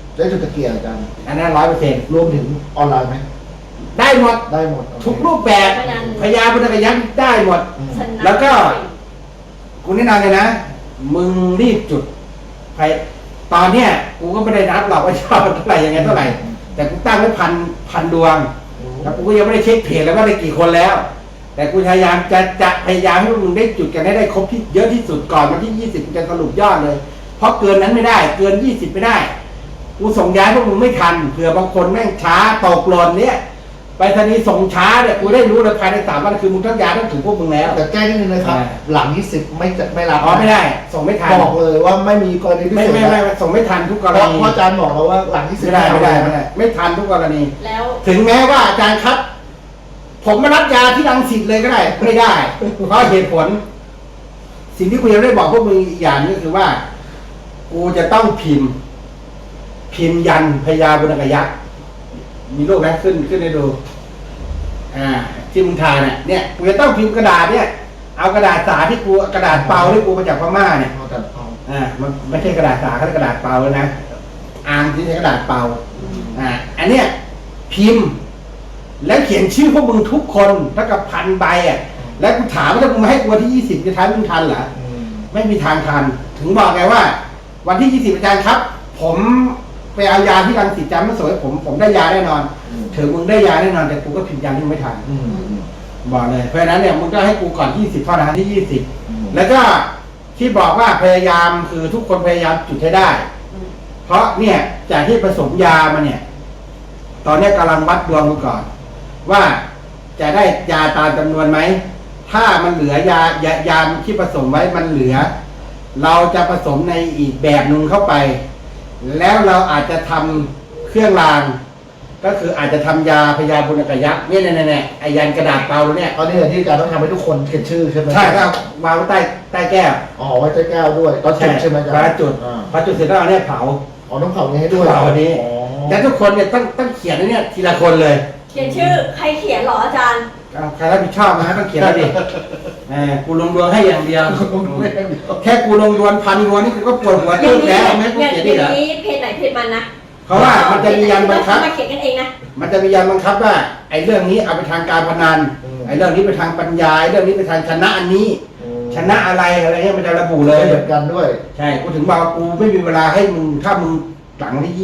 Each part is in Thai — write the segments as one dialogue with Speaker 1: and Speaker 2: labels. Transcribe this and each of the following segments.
Speaker 1: ใช้จุดตะเกียงอาจารย์
Speaker 2: อันนั้น100%
Speaker 1: รวมถึงออนไลน์ไหม
Speaker 2: ได้หมด
Speaker 1: ได้หมด
Speaker 2: ทุกรูปแบบพยาพุทธกยักษ์ได้หมด แล้วก็กูแนะนำเลยนะมึงรีบจุดไปตอนเนี้ยกูก็ไม่ได้นับหรอกว่าชอบเท่าไหร่ยังไงเท่าไหร่แต่กูตั้งไว้พันดวงแล้วกูก็ยังไม่ได้เช็คเพจแล้วว่าได้กี่คนแล้วแต่กูพยายามจะพยายามให้มึงได้จุดกันให้ได้ครบที่เยอะที่สุดก่อนวันที่20กูจะสรุปยอดเลยเพราะเกินนั้นไม่ได้เกิน20ไม่ได้กูส่งย้ายพวกมึงไม่ทันเผื่อบางคนแม่งช้าตกหล่นเนี่ยไปธนีส่งช้าเนี่ยกูได้รู้เลยภายใน3 วันคือมึงต้องย้ายต้องถึงพวกมึงแล้ว
Speaker 1: แต่แก้นิดนึงนะครับหลัง20ไม่รับ
Speaker 2: ไม่ได้ส่งไม่ทัน
Speaker 1: บอกเลยว่าไม่มีกรณีพิเศษ
Speaker 2: ไม่ส่งไม่ทันทุกกรณี
Speaker 1: เพราะอาจารย์บอกเราว่าหลัง20
Speaker 2: ไม่ได้ไม่ทันทุกกรณี
Speaker 3: แล้ว
Speaker 2: ถึงแม้ว่าอาจารย์ครับผมมารับยาที่รังสิตเลยก็ได้ไม่ได้เพราะเหตุผลสิ่งที่กูยังได้บอกพวกมึงอีกอย่างนึงก็คือว่ากูจะต้องพิมพ์ยันพญาบุญกยักษ์มีรูปไหมขึ้นให้ดูที่มึงทานเนี่ยกูจะต้องพิมพ์กระดาษเนี่ยเอากระดาษสาที่กูกระดาษเปล่าที่กูมาจากพม่าเนี่ยมันไม่ใช่กระดาษสาเขาเรียกกระดาษเปล่าเลยนะอ่านที่ใช้กระดาษเปล่าอันเนี้ยพิมพ์แล้วเขียนชื่อพวกมึงทุกคนเท่ากับ1,000 ใบแล้วกูถามว่าถ้ามึงมาให้กูวันที่20จะทันมึงทันเหรอไม่มีทางทันถึงบอกไงว่าวันที่20อาจารย์ครับผมไปเอายาที่รังสิตจำไม่สวยผมได้ยาแน่นอนถึงมึงได้ยาแน่นอนแต่กูก็พิมพ์ยันที่ไม่ทันบอกเลยเพราะฉะนั้นเนี่ยมึงก็ให้กูก่อน20เท่านั้นที่20แล้วก็ที่บอกว่าพยายามคือทุกคนพยายามจุดให้ได้เพราะเนี่ยจากที่ผสมยามาเนี่ยตอนนี้กำลังวัดดวงดูก่อนว่าจะได้ยาตามจำนวนไหมถ้ามันเหลือยาที่ผสมไว้มันเหลือเราจะผสมในอีกแบบหนึ่งเข้าไปแล้วเราอาจจะทำเครื่องรางก็คืออาจจะทำยาพยาบุญกยักษ์เนี่ยไอยันกระดาษเปล่าเนี่ย
Speaker 1: ตอนนี้ที่อาจารย์ต้องทำให้ทุกคนเขียนชื่อใช่ไหม
Speaker 2: ใช่ครับวางไว้ใต้แก้ว
Speaker 1: ไว้ใต้แก้วด้วยตอนจุดใช่ไหมอาจารย์
Speaker 2: พอจุดเสร็จแล้วเนี่ยเผา
Speaker 1: ต้องเผานี้ให้ด้วย
Speaker 2: เผาอันนี้แล้วทุกคนเนี่ยต้องเขียนเนี่ยทีละคนเลย
Speaker 3: เขียนชื่อใครเขียนหรออาจารย์
Speaker 2: ใครรับผิดชอบนะต้องเขียนแล้วดิกูลงดวงให้อย่างเดียวแค่กูลงดวง1,000 ดวงนี่กูก็ปวดหัวตึ๊บแล้วไม่กูเขียนดิเหรอ
Speaker 3: อย่างนี้เพจไหนเพจมันนะ
Speaker 2: เพราะว่ามันจะมียันบังคับ
Speaker 3: มาเขียนกันเองนะ
Speaker 2: มันจะมียันบังคับว่าไอ้เรื่องนี้เอาไปทางการพนันไอ้เรื่องนี้ไปทางปัญญาเรื่องนี้ไปทางชนะอันนี้ชนะอะไรเงี้ยมันจะระบุเลย
Speaker 1: เหมือนกันด้วย
Speaker 2: ใช่กูถึงบอกกูไม่มีเวลาให้มึงถ้ามึงหลังที่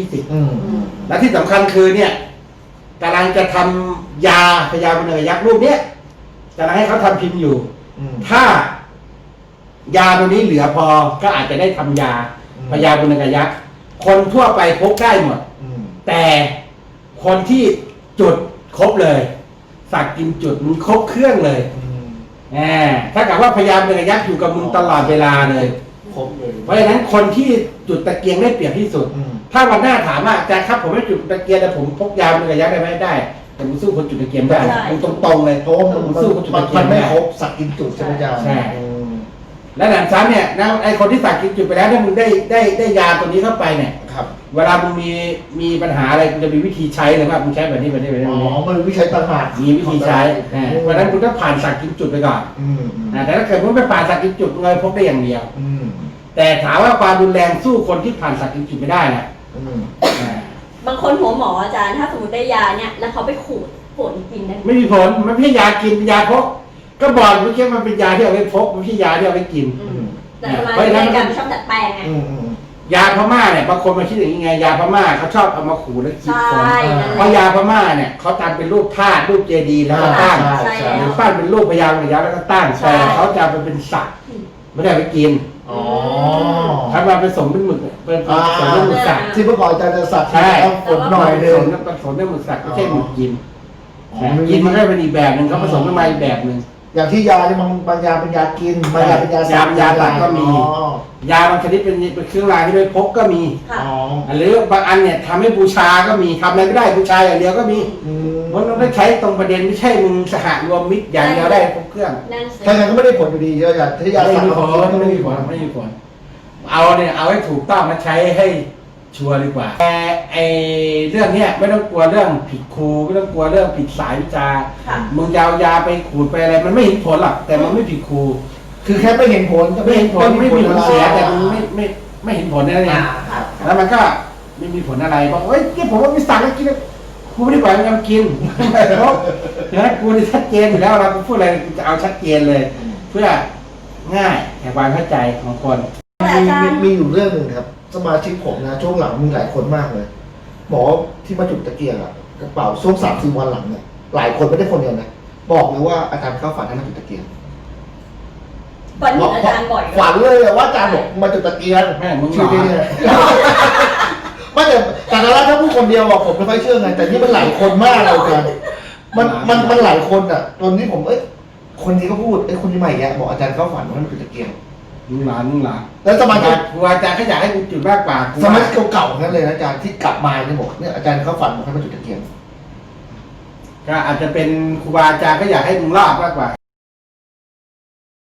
Speaker 2: 20และที่สำคัญคือเนี่ยกำลังจะทำยาพยาบุญกยักษ์รูปเนี้ยกำลังให้เขาทำพิมพ์อยู่ถ้ายาตัวนี้เหลือพอก็อาจจะได้ทำยาพยาบุญกยักษ์คนทั่วไปพกได้หมดแต่คนที่จุดครบเลยสักกินจุดมึงครบเครื่องเลยถ้ากับว่าพยาบุญกยักษ์อยู่กับมึงตลอดเวลาเลยเพราะฉะนั้นคนที่จุดตะเกียงได้เปรียบที่สุดถ้าวันหน้าถามว่าอาจารย์ครับผมไม่จุดตะเกียงแต่ผมพกยาบุญกยักษ์ได้ไหมได้แต่มึงสู้คนจุดตะเกียงได้มึงตรงๆเลย
Speaker 1: เพราะมึงสู้คนจุดตะเกียงไม่ครบสักกินจุดใช่ไหมอาจารย์
Speaker 2: ใช่และหลังซ้ำเนี่ยนะไอคนที่สักกินจุดไปแล้วถ้ามึงได้ยาตัวนี้เข้าไปเนี่ยเวลามึงมีปัญหาอะไรมึงจะมีวิธีใช้เลยว่ามึงใช้แบบนี้มัน
Speaker 1: วิธีใช้ต่างหาก
Speaker 2: มีวิธีใช้เพราะนั้นคุณต้องผ่านสักกินจุดไปก่อนแต่ถ้าเกิดมึงไม่ผ่านสักกินจุดมึงเลยพกได้อย่างเดียวแต่ถามว่าความรุนแรงสู้คนที่ผ่านสักกินจุดไม่ได้นะ
Speaker 3: บางคนหัวหมออาจารย์ถ้าสมมติได้ยาเนี่ยแล้วเขาไปขูดผลกินได้
Speaker 2: ไม่มีผลมันไม่ใช่ยากินเป็นยาพกก็บอกเมื่อกี้มันเป็นยาที่เอาไปพกไม่ใช่ยาที่เอาไปกิน
Speaker 3: แต่ทำไมในการชอบดัดแปลงไง
Speaker 2: ยาพม่าเนี่ยบางคนมาคิดอย่างนี้ไงยาพม่าเขาชอบเอามาขูดแล้วกินคนเพราะยาพม่าเนี่ยเขาทำเป็นรูปธาตุรูปเจดีย์แล้วก็ตั้งหรือปั้นเป็นรูปพญานาคแล้วก็ตั้งแต่เขาจะเป็นสัตว์ไม่ได้ไปกินทำมาผสมเป็นหมึกเป็นผสมเป็นหมึกสัตว์
Speaker 1: ที่เมื่อก่อนอาจารย์จะสัตว์ต้องฝนหน่อยเดิม
Speaker 2: ผสมเป็นหมึกสัตว์ไม่ใช่หมึกกินกินมันได้เป็นอีกแบบหนึ่งเขาผสมขึ้นมาอีกแบบหนึ่ง
Speaker 1: อย่างที่ยาเนี่ยบางยาเป็นยากินบางยาเป็นยา
Speaker 2: สับยาหลักก็มียาบางชนิดเป็นเครื่องรางที่ด้วยพกก็มีหรือบางอันเนี่ยทำให้บูชาก็มีทำอะไรก็ได้บูชาอย่างเดียวก็มีมันต้องได้ใช้ตรงประเด็นไม่ใช่มึงสหรวมมิตรอย่างเดียวได้พกเครื่อง
Speaker 1: ถ้าอย่างนั้นก็ไม่ได้ผลอยู่ดีเยอะอย่างที่ยาสับ
Speaker 2: ไม่มีผลเอาให้ถูกต้องมาใช้ให้ชัวร์ดีกว่าแต่ไอเรื่องเนี้ยไม่ต้องกลัวเรื่องผิดครูไม่ต้องกลัวเรื่องผิดสายวิชามึงยาวยาไปขูดไปอะไรมันไม่เห็นผลหรอกแต่มันไม่ผิดครู
Speaker 1: คือแค่ไม่เห็นผล
Speaker 2: ไม่มีผลเสียแต่มันไม่เห็นผลนั่นเองแล้วมันก็ไม่มีผลอะไรบอกเอ้ยเนี่ยผมว่าไม่สั่งให้กินกูไม่ได้ปล่อยมันกินเพราะเดี๋ยวกูนี่ชัดเจนอยู่แล้วเราพูดอะไรจะเอาชัดเจนเลย เพื่อง่ายแก่ความเข้าใจของคน
Speaker 1: มีอยู่เรื่องหนึ่งครับ สมาชิกผมนะช่วงหลังมีหลายคนมากเลยบอกที่มาจุดตะเกียงอะกระเป๋าช่วง3-4 วันหลังเนี่ยหลายคนไม่ได้คนเดียวนะบอกเลยว่าอาจารย์เข้าฝันให้มาจุดตะเกียง
Speaker 3: ฝันเห็นอาจารย์บ่อย
Speaker 1: ฝันเลยว่าอาจารย์บอกมาจุดตะเกียง
Speaker 2: แม่มึงห
Speaker 1: ชื่
Speaker 2: มา
Speaker 1: อที่เนี่ยไม่แต่ละถ้าพูดคนเดียวอะผมไม่ค่อยเชื่อไงแต่นี่มันหลายคนมากเลยอาจารย์มันหลายคนอะจนนี้ผมคนนี้ก็พูดคนนี้ใหม่แยะบอกอาจารย์เข้าฝันว่ามันจุดตะเกียง
Speaker 2: มึงหลานมึงหลาน
Speaker 1: แล้วสมาชิก
Speaker 2: ครูอาจารย์ก็อยากให้กูจุดมากกว่ากู
Speaker 1: สมัยเก่าๆนั่นเลยนะอาจารย์ที่กลับมาเนี่ยบอกเนี่ยอาจารย์เขาฝันบอกให้มาจุดตะเกียง
Speaker 2: ก็อาจจะเป็นครูบาอาจารย์ก็อยากให้มึงรอดมากกว่า